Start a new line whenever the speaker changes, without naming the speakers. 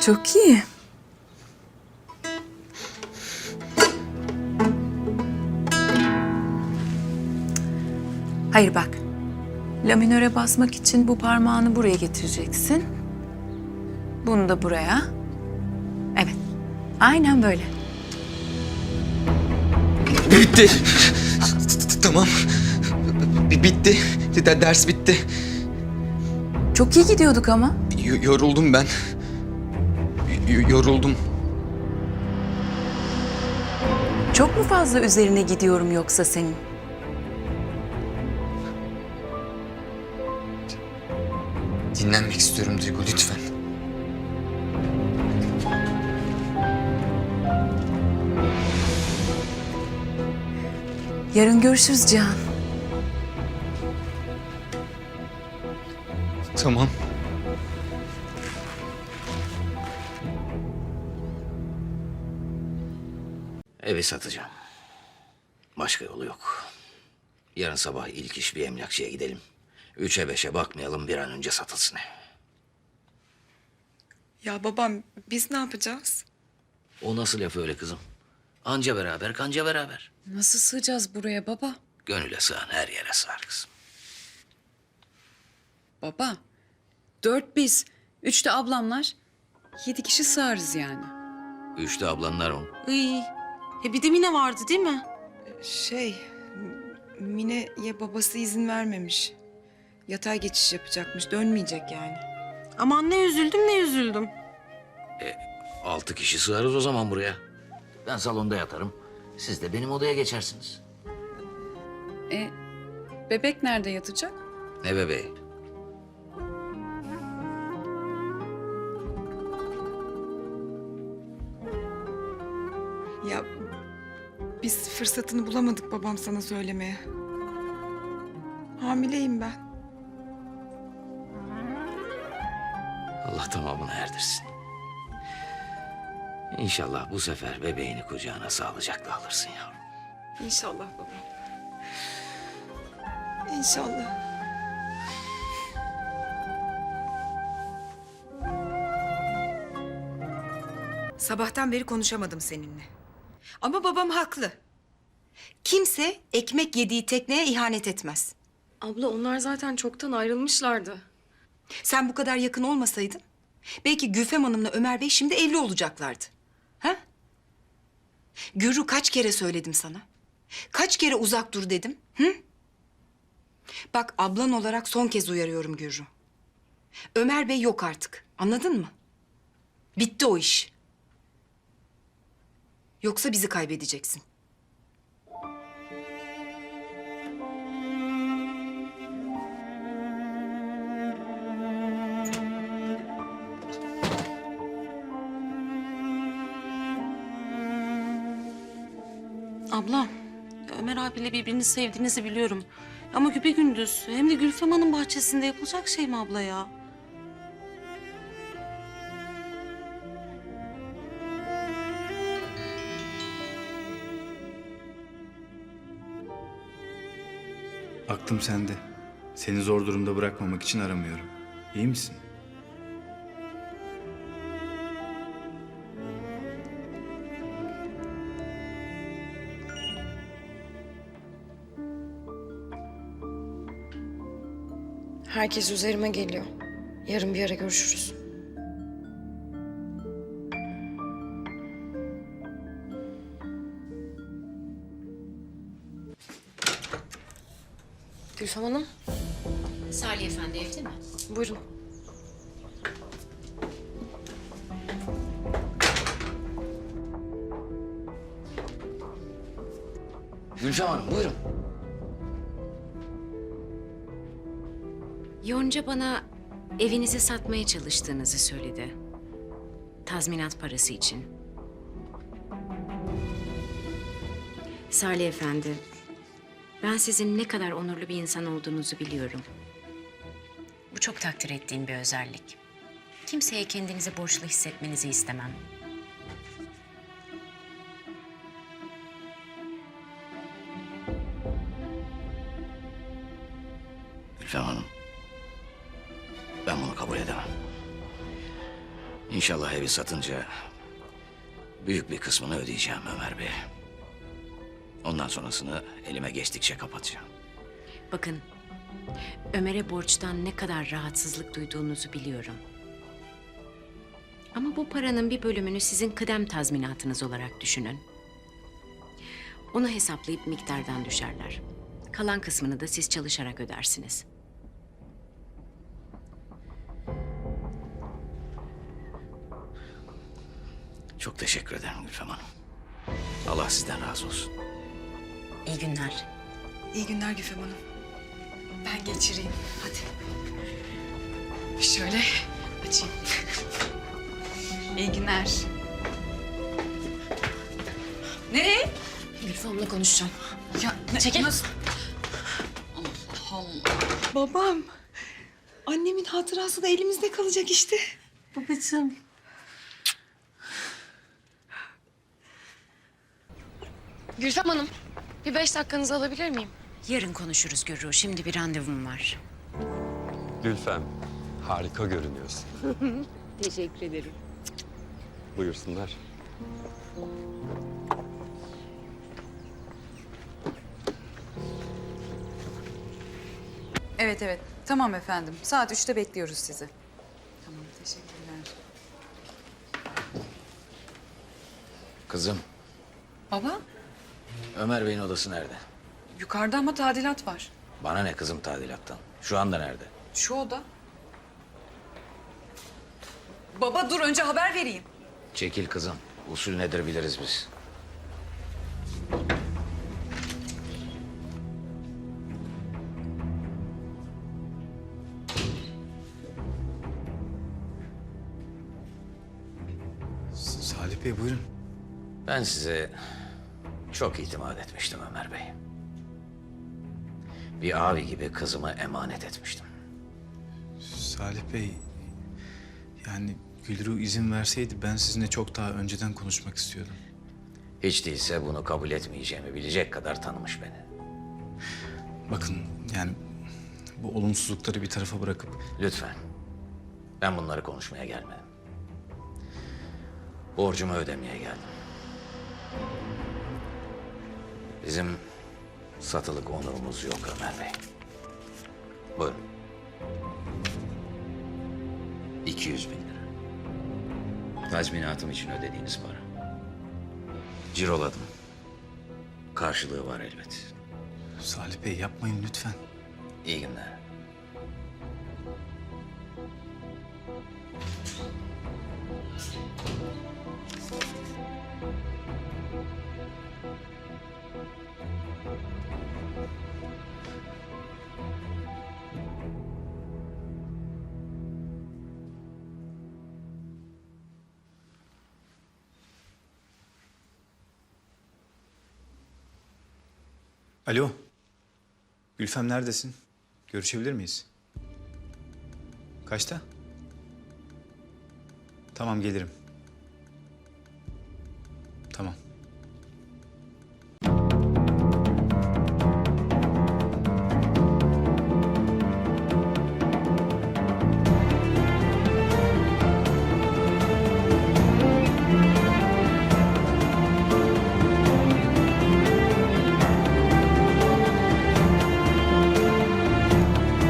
Çok iyi. Hayır bak. La minöre basmak için bu parmağını buraya getireceksin. Bunu da buraya. Evet. Aynen böyle.
Bitti. Tamam. Bitti. Ders bitti.
Çok iyi gidiyorduk ama.
Yoruldum ben. Yoruldum.
Çok mu fazla üzerine gidiyorum yoksa senin?
Dinlenmek istiyorum Duygu, lütfen.
Yarın görüşürüz Cihan.
Tamam.
Evi satacağım. Başka yolu yok. Yarın sabah ilk iş bir emlakçıya gidelim. 3'e 5'e bakmayalım, bir an önce satılsın ev.
Ya babam biz ne yapacağız?
O nasıl laf öyle kızım? Anca beraber, kanca beraber.
Nasıl sığacağız buraya baba?
Gönüle sığan her yere sığar kızım.
Baba, 4 biz, 3 de ablamlar. 7 kişi sığarız yani.
3 de ablanlar on.
Iy. Bir de Mine vardı değil mi?
Mine'ye babası izin vermemiş. Yatay geçiş yapacakmış, dönmeyecek yani.
Aman ne üzüldüm ne üzüldüm.
6 kişi sığarız o zaman buraya. Ben salonda yatarım. Siz de benim odaya geçersiniz.
Bebek nerede yatacak?
Ne bebeği?
Ya biz fırsatını bulamadık babam sana söylemeye. Hamileyim ben.
Allah tamamını erdirsin. İnşallah bu sefer bebeğini kucağına sağlıcakla alırsın yavrum.
İnşallah babam. İnşallah.
Sabahtan beri konuşamadım seninle. Ama babam haklı. Kimse ekmek yediği tekneye ihanet etmez.
Abla onlar zaten çoktan ayrılmışlardı.
Sen bu kadar yakın olmasaydın belki Gülfem Hanım'la Ömer Bey şimdi evli olacaklardı. Ha? Gürru kaç kere söyledim sana? Kaç kere uzak dur dedim? Hı? Bak ablan olarak son kez uyarıyorum Gürru. Ömer Bey yok artık. Anladın mı? Bitti o iş. Yoksa bizi kaybedeceksin.
Abla, Ömer abiyle birbirini sevdiğinizi biliyorum. Ama güpegündüz hem de Gülfem Hanım bahçesinde yapılacak şey mi abla ya?
Aklım sende. Seni zor durumda bırakmamak için aramıyorum. İyi misin?
Herkes üzerime geliyor. Yarın bir ara görüşürüz. Gülfem Hanım,
Salih Efendi evde mi?
buyurun.
Gülfem Hanım buyurun.
Yonca bana evinizi satmaya çalıştığınızı söyledi. Tazminat parası için. Salih Efendi, ben sizin ne kadar onurlu bir insan olduğunuzu biliyorum. Bu çok takdir ettiğim bir özellik. Kimseye kendinizi borçlu hissetmenizi istemem.
Gülfem Hanım, ben bunu kabul edemem. İnşallah evi satınca büyük bir kısmını ödeyeceğim Ömer Bey. Ondan sonrasını elime geçtikçe kapatacağım.
Bakın, Ömer'e borçtan ne kadar rahatsızlık duyduğunuzu biliyorum. Ama bu paranın bir bölümünü sizin kıdem tazminatınız olarak düşünün. Onu hesaplayıp miktardan düşerler. Kalan kısmını da siz çalışarak ödersiniz.
Çok teşekkür ederim Gülfem Hanım. Allah sizden razı olsun.
İyi günler.
İyi günler Güfem Hanım.
Ben geçireyim. Hadi. Şöyle açayım. İyi günler. Nereye?
Gülfem'le konuşacağım.
Ya
Çekil.
Nasıl?
Babam. Annemin hatırası da elimizde kalacak işte.
Babacığım.
Gülfem Hanım, bir 5 dakikanızı alabilir miyim?
Yarın konuşuruz Gürru. Şimdi bir randevum var.
Gülfem, harika görünüyorsun.
Teşekkür ederim.
Buyursunlar.
Evet evet. Tamam efendim. Saat 3'te bekliyoruz sizi. Tamam teşekkürler.
Kızım,
Baba
Ömer Bey'in odası nerede?
yukarıda ama tadilat var.
Bana ne kızım tadilattan? Şu anda nerede?
Şu oda. Baba dur önce haber vereyim.
Çekil kızım. Usul nedir biliriz biz.
Salih Bey buyurun.
Ben size çok itimat etmiştim Ömer Bey. Bir abi gibi kızımı emanet etmiştim.
Salih Bey, yani Gülru izin verseydi ben sizinle çok daha önceden konuşmak istiyordum.
Hiç değilse bunu kabul etmeyeceğimi bilecek kadar tanımış beni.
Bakın yani bu olumsuzlukları bir tarafa bırakıp
Lütfen. Ben bunları konuşmaya gelmedim. Borcumu ödemeye geldim. Bizim satılık onurumuz yok Ömer Bey. Buyurun. 200 bin lira. Tazminatım için ödediğiniz para. Ciroladım. Karşılığı var elbet.
Salih Bey yapmayın lütfen.
İyi günler.
Alo. Gülfem neredesin? Görüşebilir miyiz? Kaçta? Tamam gelirim.